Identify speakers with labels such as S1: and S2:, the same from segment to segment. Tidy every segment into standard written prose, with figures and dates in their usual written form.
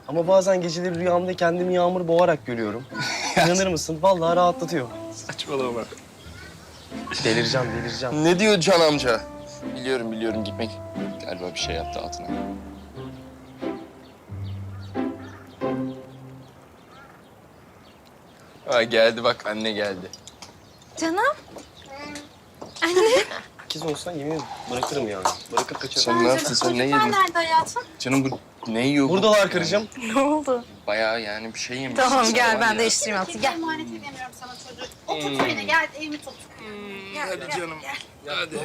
S1: Ama bazen geceleri rüyamda kendimi yağmur boğarak görüyorum. İnanır mısın? Vallahi rahatlatıyor.
S2: Saçmalama.
S1: Delireceğim.
S2: Ne diyor Can amca? Biliyorum gitmek. Galiba bir şey yaptı altına. Ha, geldi bak, anne geldi.
S3: Canım.
S1: İkiz olsan yemin ederim bırakırım yani. Bırakıp kaçarım.
S2: Sen ne yaptın, sen ne yedin?
S3: Nerede hayatım?
S2: Canım bu ne yiyor bu?
S1: Buradalar karıcığım.
S3: Ne oldu?
S2: Bayağı yani bir şey yemiş.
S3: Tamam gel ben
S2: de
S3: değiştireyim altı. Gel.
S4: Emanet edemiyorum sana çocuğu. Otur beni gel evimi tut.
S2: Hadi canım. Hadi.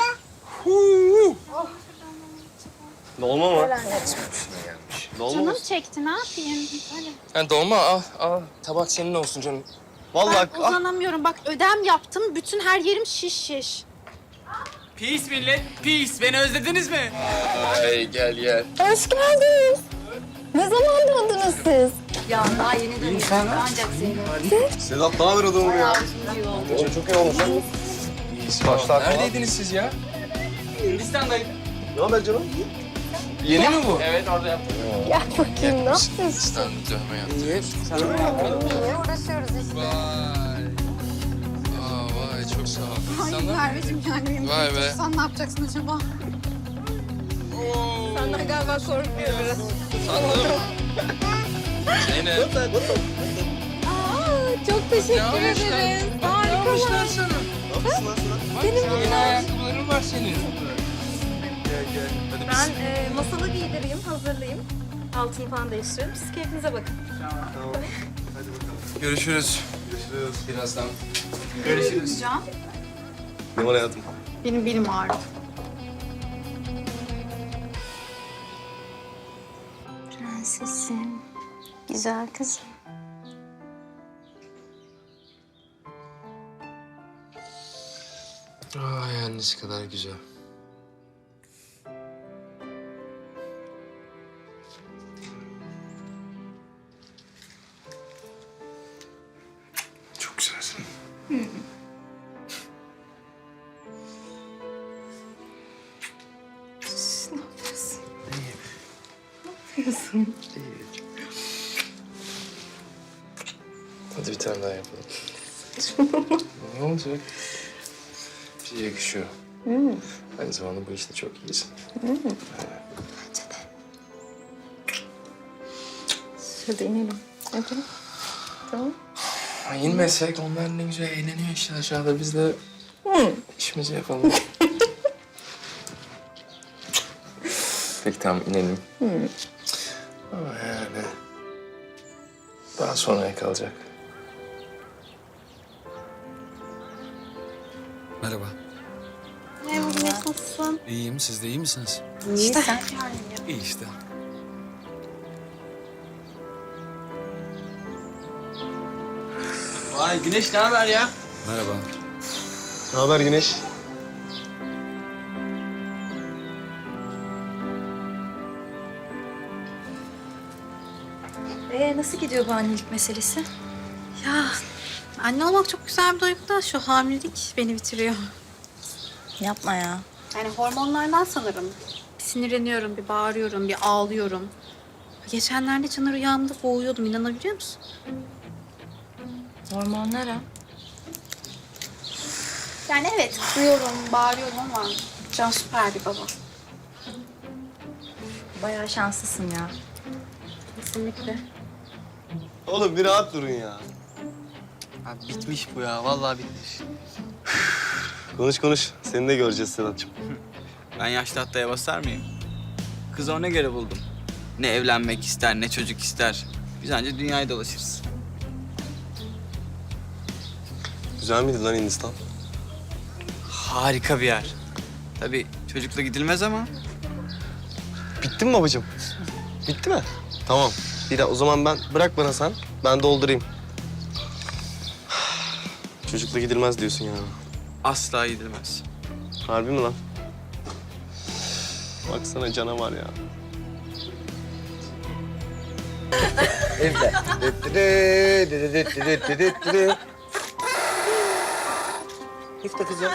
S1: Dolma mı? Dolma mı?
S4: Canım çekti ne yapayım? Öyle.
S2: Ha, dolma al. Tabak senin olsun canım.
S1: Vallahi
S4: Ben uzanamıyorum bak ödem yaptım. Bütün her yerim şiş.
S5: Peace millet, peace. Beni özlediniz mi?
S2: Ay gel.
S3: Hoş geldiniz. Ne zaman doğdunuz siz? Ya daha yeni dönüyoruz. Ancak seni.
S1: Sedat ne haber adamım ya? Çok iyi olmuş. Başlar falan.
S2: Neredeydiniz siz ya?
S5: Hindistan'daydım.
S1: Ne haber canım?
S2: Yeni mi bu?
S5: Evet orada yaptım.
S3: Gel bakayım ne yapıyorsun?
S2: Hindistan'da dövme yaptım.
S3: Niye uğraşıyoruz işte?
S2: Vay. Vay çok sağ ol.
S4: Ay Merveciğim yani benim
S2: Vay be.
S4: sen ne yapacaksın acaba?
S3: Senden galiba korkuyor biraz.
S2: Sandım. Zeynep.
S3: Aa, çok teşekkür ederiz. Harikalar.
S2: sana?
S1: Nasılsın lan sana?
S2: Benim yeni ayakkabıların var senin.
S1: Gel. Hadi
S3: Ben masalı giydireyim, hazırlayayım. Altını falan değiştirelim. Siz keyfinize bakın.
S1: Tamam. Hadi bakalım.
S2: Görüşürüz. Birazdan. Görüşürüz.
S4: Can.
S1: Ne var hayatım?
S4: Benim belim ağrıdı.
S3: Prensesim, güzel kızım.
S2: Ay annesi kadar güzel. Çok güzelsin.
S3: Ne yapıyorsun? Ne yapıyorsun?
S2: Hadi bir tane daha yapalım. Ne olacak? Bize yakışıyor. Aynı zamanda bu işte çok iyisin.
S3: Bence de. Şurada inelim. Hadi. Tamam.
S2: Ay, inmesek onlar ne güzel eğleniyor işte aşağıda. Biz de işimizi yapalım. Peki tamam inelim. Ama yani daha sonraya kalacak.
S6: Merhaba.
S4: Merhaba nasılsın?
S6: İyiyim. Siz de iyi misiniz?
S3: İyi sen.
S6: İyi işte.
S5: Vay Güneş ne haber ya?
S6: Merhaba.
S1: Ne haber Güneş?
S3: Nasıl gidiyor bu annelik meselesi?
S4: Ya anne olmak çok güzel bir duygu da şu hamilelik beni bitiriyor.
S3: Yapma ya.
S4: Yani hormonlardan sanırım. Bir sinirleniyorum, bir bağırıyorum, bir ağlıyorum. Geçenlerde Can'ı rüyamda boğuyordum, inanabiliyor musun?
S3: Hormonlara.
S4: Yani evet, duyuyorum, bağırıyorum ama Can süper bir baba.
S3: Bayağı şanslısın ya.
S4: Kesinlikle.
S1: Oğlum bir rahat durun ya.
S5: Abi bitmiş bu ya. Vallahi bitmiş.
S1: Konuş. Seni de göreceğiz Sedat'cığım.
S5: Ben yaşlı hattaya basar mıyım? Kızı ona göre buldum. Ne evlenmek ister, ne çocuk ister. Biz anca dünyayı dolaşırız.
S1: Güzel miydi lan Hindistan?
S5: Harika bir yer. Tabii çocukla gidilmez ama
S1: Bitti mi babacığım? Bitti mi? Tamam. O zaman bırak bana sen. Ben doldurayım. Çocukla gidilmez diyorsun ya.
S5: asla gidilmez.
S1: Harbi mi lan? Baksana canavar ya. İfte kızım.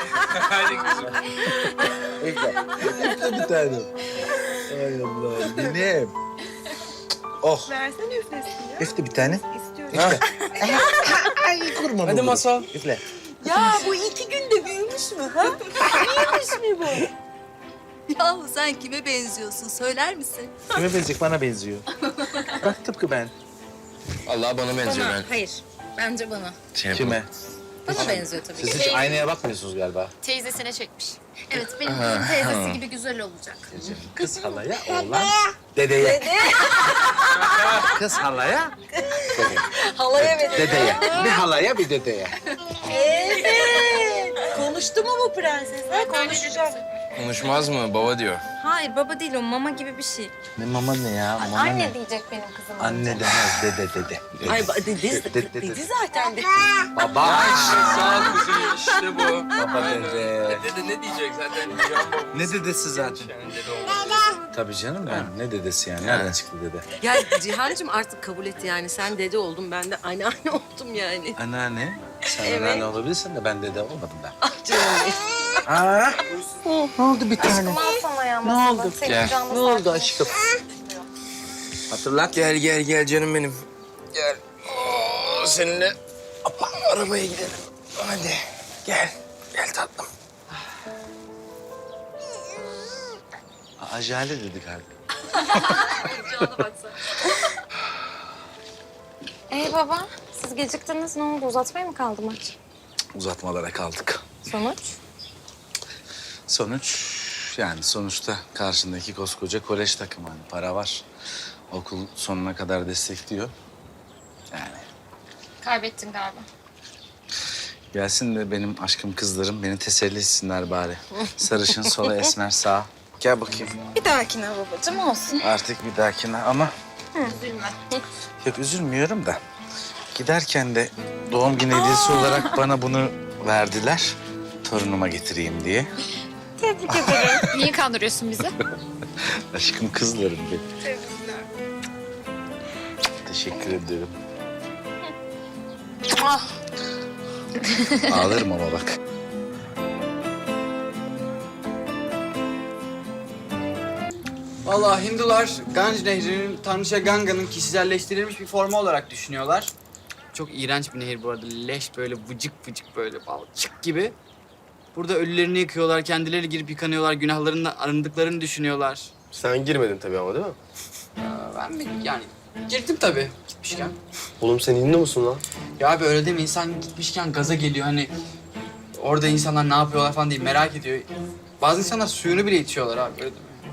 S1: İfte bir tanem. Ay Allah, benim.
S7: Oh.
S8: Versene üflesin ya.
S7: Üfle bir tane.
S8: İstiyorum.
S7: Ay kurban
S2: Hadi masal.
S7: Üfle.
S8: Ya bu 2 günde büyümüş mü ha? Büyümüş mü bu?
S3: Yahu sen kime benziyorsun söyler misin?
S7: Kime benziyor? Bana benziyor. Bak tıpkı ben.
S2: Allah bana benziyor ben.
S3: Hayır. Bence bana.
S2: Şey yapalım.
S7: Kime?
S3: Bana benziyor tabii
S7: Siz
S3: ki.
S7: hiç aynaya bakmıyorsunuz galiba.
S4: Teyzesine çekmiş. Evet benim kızım teyzesi gibi güzel olacak.
S7: Kız halaya, oğlan dedeye. Kız halaya,
S8: Halaya verin.
S7: dedeye. Bir halaya, bir dedeye.
S8: Evet. Konuştu mu bu prenses? Ha, konuşacak.
S2: Konuşmaz mı? Baba diyor.
S3: Hayır baba değil o mama gibi bir şey.
S7: Ne mama ne ya? Mama
S3: Anne
S7: ne?
S3: diyecek benim kızım.
S7: Anne demez, dede.
S8: Ay dedi zaten.
S7: Baba.
S2: Sağ ol kızım işte bu.
S7: Baba dede.
S2: Dede ne diyecek zaten?
S7: Ne dedesi zaten? Tabii canım ben. Ne dedesi yani? Nereden çıktı dede?
S8: Ya Cihan'cığım artık kabul et yani. Sen dede oldun, ben de anneanne oldum yani.
S7: Anneanne. Sen
S8: Evet.
S7: anneanne olabilirsin de ben dede olmadım ben.
S8: Ah canım benim.
S7: Aa, ne oldu bir tane?
S3: Alsana ya
S7: Ne oldu?
S3: Senin
S2: Gel.
S3: canlı
S7: Ne oldu
S3: sakin.
S7: aşkım? Hatırlat.
S2: Gel canım benim. Gel. Oo, seninle arabaya gidelim. Hadi gel. Gel tatlım.
S7: Ajale dedi galiba.
S3: Baba siz geciktiniz ne oldu uzatmaya mı kaldı maç?
S7: Uzatmalara kaldık.
S3: Sonuç?
S7: Sonuçta karşındaki koskoca kolej takımı. Hani para var. Okul sonuna kadar destekliyor. Yani
S4: Kaybettin galiba.
S7: gelsin de benim aşkım kızlarım beni teselli etsinler bari. Sarışın sola esmer sağ. Gel bakayım.
S3: Bir dahakine babacığım olsun.
S7: Artık bir dahakine ama...
S4: Üzülme.
S7: Yok üzülmüyorum da. Giderken de doğum günü hediyesi olarak bana bunu verdiler. Torunuma getireyim diye.
S3: Tebrik ederim.
S4: Niye kandırıyorsun bizi?
S7: Aşkım kızlarım benim. Teşekkür ederim. Ağlarım ama bak.
S5: Vallahi Hindular Ganj Nehri'nin Tanrıça Ganga'nın kişiselleştirilmiş bir formu olarak düşünüyorlar. Çok iğrenç bir nehir bu arada. Leş böyle vıcık vıcık böyle balçık gibi. Burada ölülerini yıkıyorlar, kendileri girip yıkanıyorlar, günahlarından arındıklarını düşünüyorlar.
S1: Sen girmedin tabii ama değil mi?
S5: Ben mi yani girdim tabii gitmişken.
S1: Oğlum sen Hindu musun lan?
S5: Ya abi öyle deme, insan gitmişken gaza geliyor hani orada insanlar ne yapıyorlar falan diye merak ediyor. Bazı insanlar suyunu bile içiyorlar abi öyle deme.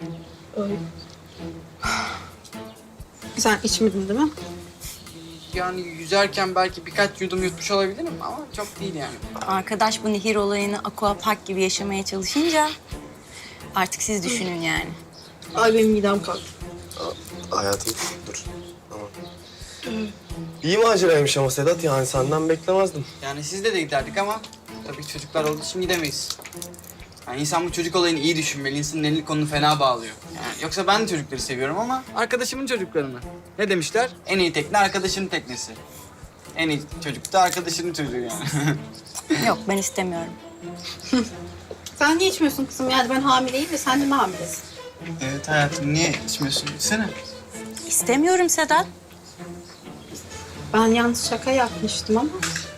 S4: Sen içmedin değil mi?
S5: Yani yüzerken belki birkaç yudum yutmuş olabilirim ama çok değil yani.
S9: Arkadaş bu nehir olayını aqua park gibi yaşamaya çalışınca artık siz düşünün yani.
S8: Ay benim midem kalktı.
S1: Hayatım dur. Tamam. İyi maceraymış ama Sedat yani senden beklemezdim.
S5: Yani sizde de giderdik ama tabii çocuklar olduğu için gidemeyiz. Yani insan bu çocuk olayını iyi düşünmeli. İnsanın elini kolunu fena bağlıyor. Yani yoksa ben de çocukları seviyorum ama arkadaşımın çocuklarını. Ne demişler? En iyi tekne arkadaşının teknesi. En iyi çocuk da arkadaşının çocuğu yani.
S9: Yok ben istemiyorum.
S4: Sen niye içmiyorsun kızım? Yani ben hamileyim ve sen de mi hamilesin?
S5: Evet hayatım, niye içmiyorsun? İçsene.
S9: İstemiyorum Sedat.
S4: Ben yalnız şaka yapmıştım ama.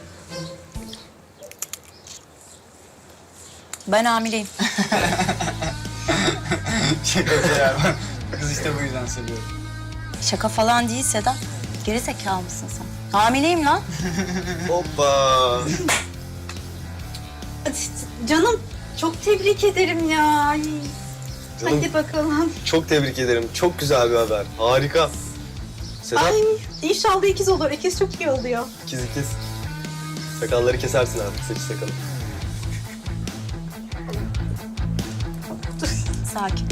S9: Ben hamileyim.
S5: Şakası ya. Kız işte bu yüzden seviyorum.
S9: Şaka falan değil Sedat. Geri zekalı mısın sen? Hamileyim lan.
S1: Hoppa.
S4: Canım çok tebrik ederim ya. Ay.
S1: Canım,
S4: Hadi bakalım.
S1: çok tebrik ederim. Çok güzel bir haber. Harika. Sedat,
S4: Ay inşallah ikiz olur. İkiz çok iyi oluyor.
S1: ikiz. Sakalları kesersin artık, saçı sakalı.
S9: Sakin.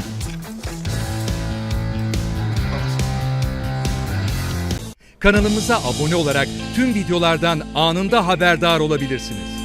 S10: Kanalımıza abone olarak tüm videolardan anında haberdar olabilirsiniz.